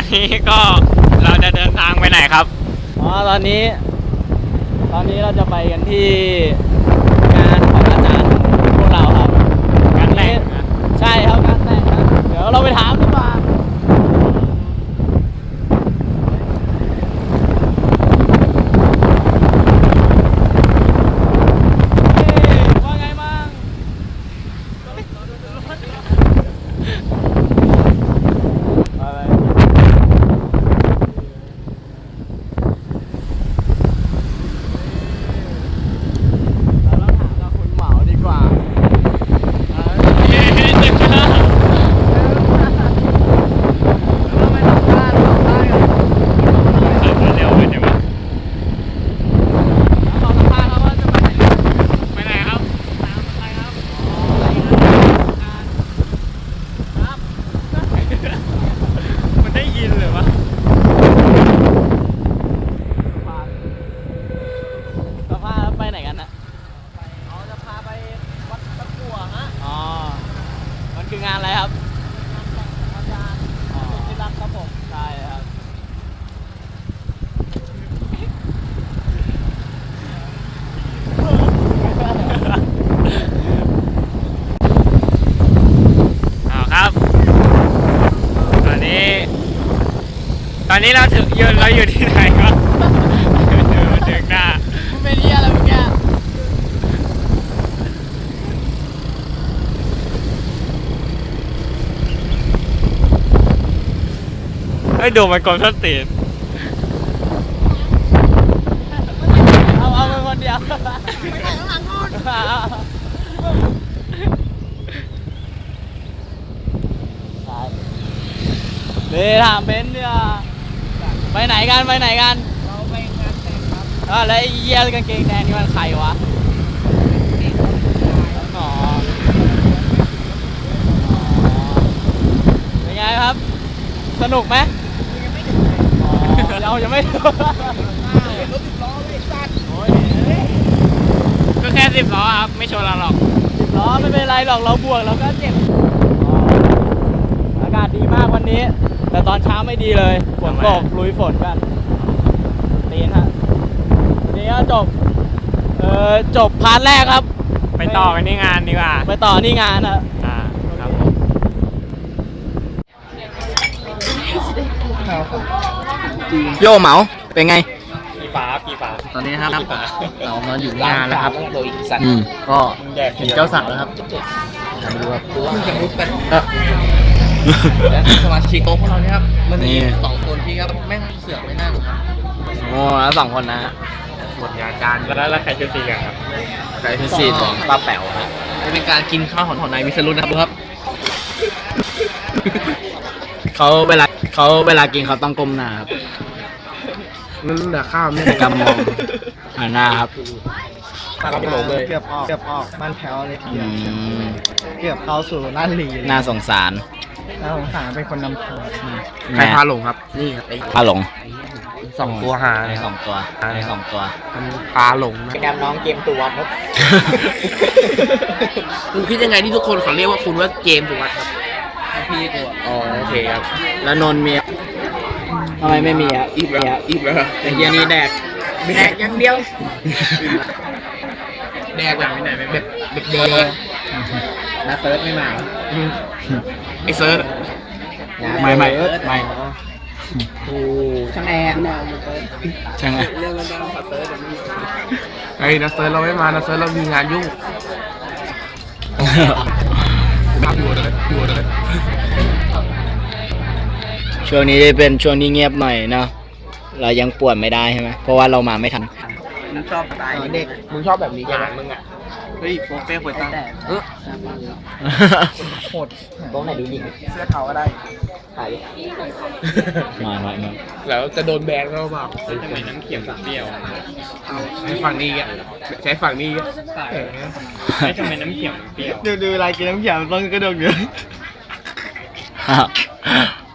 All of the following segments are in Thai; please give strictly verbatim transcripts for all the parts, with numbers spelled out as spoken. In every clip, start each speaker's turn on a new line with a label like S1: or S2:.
S1: นี้ก็เราจะเดินทางไปไหนครับ
S2: อ๋อตอนนี้ ตอนนี้เราจะไปกันที่งานของอาจารย์พวกเราครับ
S1: งานแต่งนะ
S2: ใช่ครับงานแต่งครับเดี๋ยวเราไปถามดีกว่าว่าไงบ้างอะไร คืองานอะไรครับอาจารย์ที่รักครับผมใช่ครับ
S1: เอาครับ ตอนนี้ ตอนนี้เราถึงยืนเราอยู่ที่ไหนครับเดินถึงหน้า
S2: มันเป็นเหี้ยอะไรเมื่อกี้
S1: ไอ้ดูมันกลมส้นตีน
S2: เอาเอาเป็นคนเดียวไม่ใช่ข้างหลังนู่นนี่ถามเบนซ์เนี่ยไปไหนกันไปไหนกันเราไปงานแต่งครับอ่าแล้วไอ้เหี้ยกางเกงแดงนี่มันใครวะอ๋อเป็นไงครับสนุกไหมเรายังไม่รถสิบล้อไม่สั้น
S1: ก็แค่สิบล้อครับไม่ชนเราหรอก
S2: สิบล้อไม่เป็นไรหรอกเราบวกเราก็เจ็บอากาศดีมากวันนี้แต่ตอนเช้าไม่ดีเลยฝนตกลุยฝนกันตีนฮะวันนี้ก็จบเออจบพาร์ทแรกครับ
S1: ไปต่อกันที่งานดีกว่า
S2: ไปต่อที่งานนะ
S1: อ่าครับ
S2: โยเหมาเป็นไง
S1: กี่ฝากี่ฝา
S2: ตอนนี้ครับเรามาอยู่งานแล้วครับอืมก็เห็นเจ้าสาวแล้วครับมาดูครับจะรู้เป็นและสมาชิกโต๊ะพวกเราเนี่ยครับมันมีสองคนที่ครับแม่งเสือกไม่นั่งครับโอ้แล้วสองคนนะ
S1: หมดงานการแล้วแล้วใครชื่อซีกันครับ
S2: ใครชื่อซีของป้าแป๋วครับจะเป็นการกินข้าวของของนายวิศรุตนะครับเขาเวลาเขาเวลากินเขาต้องก้มหน้าครับ
S3: นั่นแต่ข้าวไม่
S2: กำมองหันหน้าครับ
S3: ตาเราโผล่เลยเกือบออกเกือบออกบ้านแถวเลยทีเดียวเกือบเข้าสู่น่านหลี
S2: น่าสงสาร
S3: น่าสงสารเป็นคนนำทาง
S2: ใคร
S3: พาหลงครับนี่ครับ
S2: พาหลง
S3: สองตัวหา
S2: สองตัวสองตัว
S3: พาหลงนะ
S2: เป็นการน้องเกมตัวครับ
S3: คุณคิดยังไงที่ทุกคนเขาเรียกว่าคุณว่าเกมตัวครับ
S2: พี่ตัว
S3: อ๋อโอเคครับ
S2: แล้วนนเมียทำไมไม่มีอ่ะ
S3: อีบแล้วอีบแล้ว
S2: แต่เฮียนี้แดก
S3: แดกอย่างเดียวแดกแบบไหนแบบแบบแดก
S2: นะเซิร์ฟไม่มา
S3: ไอเซิร์ฟ
S2: ไม่ไม่ไม่
S3: โอ้ช่างแอร์
S2: ช่างแอร์
S3: เรื่องมันจะขับเซิร์ฟไอ้นักเซิร์ฟเราไม่มานักเซิร์ฟเรามีงานยุ่งนับอยู่เลยอยู่เลย
S2: ช่วงนี้เป็นช่วงที่เงียบหน่อยเนาะเรายังป่วนไม่ได้ใช่ไหมเพราะว่าเรามาไม่ทัน
S3: มึงชอบสไตล์เด็กมึงชอบแบบนี้ใช่ไหมมึงอ่ะเฮ้ยโปรเฟ่โปรตั้งเออโหด
S2: ตรงไหนดูหญิง
S3: เสื้อเขาก็ได้
S2: ถ่ายมามามา
S3: แล้วจะโดนแบนก็เปล่า
S1: ทำไมน้ำเขียวเปรี้ยว
S3: ใช้ฝั่งนี้อ่ะใช้ฝั่งนี้
S1: ไม่ทำไมน้ำเขียวเปรี้ยว
S3: ดูดูอะไรกินน้ำเขียวต้องกระโดดเยอะ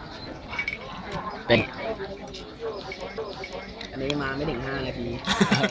S2: เป็น
S3: อันนี้มาไม่ถึงห้านาที